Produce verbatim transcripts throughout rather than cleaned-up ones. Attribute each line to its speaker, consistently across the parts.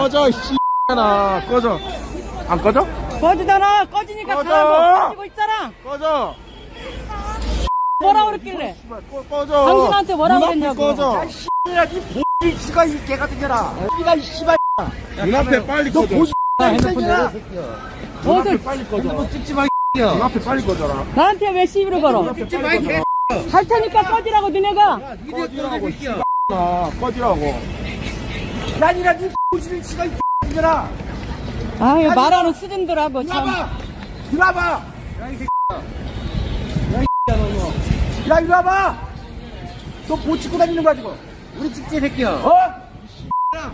Speaker 1: 꺼져, 씨X나. 꺼져. 안 꺼져?
Speaker 2: 꺼지잖아. 꺼지니까
Speaker 1: 꺼져!
Speaker 2: 가라고. 꺼지고 있잖아.
Speaker 1: 꺼져.
Speaker 2: 뭐라 그랬길래?
Speaker 1: 씨발, 꺼, 꺼져.
Speaker 2: 당신한테 뭐라
Speaker 1: 눈앞에
Speaker 2: 그랬냐고.
Speaker 1: 꺼져.
Speaker 3: 야, 씨X야, 니 보지, 씨가 이 개 같은 년아. 니가 이 씨발.
Speaker 1: 눈앞에 빨리
Speaker 3: 너
Speaker 1: 꺼져.
Speaker 3: 보지,
Speaker 1: 핸드폰
Speaker 3: 년아.
Speaker 2: 무엇을
Speaker 1: 빨리 꺼져.
Speaker 3: 핸드폰 찍지 마, 씨야.
Speaker 1: 눈앞에 빨리 꺼져라.
Speaker 2: 나한테 왜 시비를 걸어?
Speaker 3: 찍지 마, 이 개.
Speaker 2: 할 테니까 꺼지라고 너네가.
Speaker 3: 니네 꺼지라고, 씨야.
Speaker 1: 아, 꺼지라고.
Speaker 3: 야, 니라, 니 보지는 씨가 이 개 년아.
Speaker 2: 아유 말하는 수준들하고 참.
Speaker 3: 들어와봐. 들어와봐. 야, 이 새끼야. 야, 이 새끼야, 너, 너. 야, 이리 와봐. 너 뭐 찍고 다니는 거야, 지금? 우리 찍지, 새끼야. 어? 이 씨X야.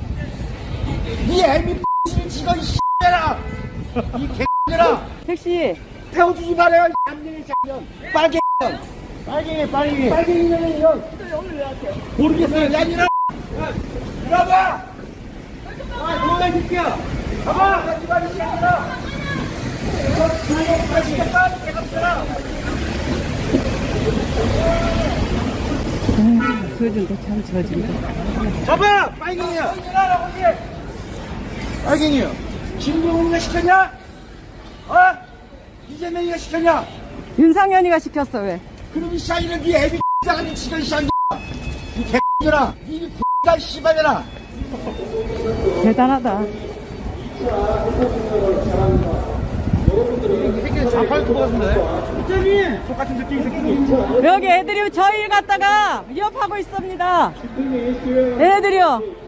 Speaker 3: 니 애미 X는 지가 이 씨X야. 이 개X야.
Speaker 2: 택시.
Speaker 3: 태워주지 말아요, 이 남녀의 장년. 빨개 년.
Speaker 1: 빨갱이, 빨갱이.
Speaker 3: 빨갱이 년의 년. 모르겠어요, 야, 니라. 야, 이리 와봐. 아, 너네 새끼야. 가봐. 가지 마, 이 새끼야. 너 주먹 다시 해봐, 이 개X야.
Speaker 2: 저준다 참 저준다.
Speaker 3: 잡아! 빨갱이야!
Speaker 1: 빨갱이요.
Speaker 3: 김정은이가 시켰냐? 어? 이재명이가 시켰냐?
Speaker 2: 윤상현이가 시켰어 왜?
Speaker 3: 그럼 이 샤이는 네 애비 X자가 지금 이 샤이야! 이 개X들아! 이 X가 씨발년아!
Speaker 2: 대단하다.
Speaker 3: 이 새끼는 좌팔 토 같은데? 이재민! 똑같은 새끼, 이 새끼.
Speaker 2: 여기 애들이 저희 갔다가 위협하고 있습니다. 얘네들이요.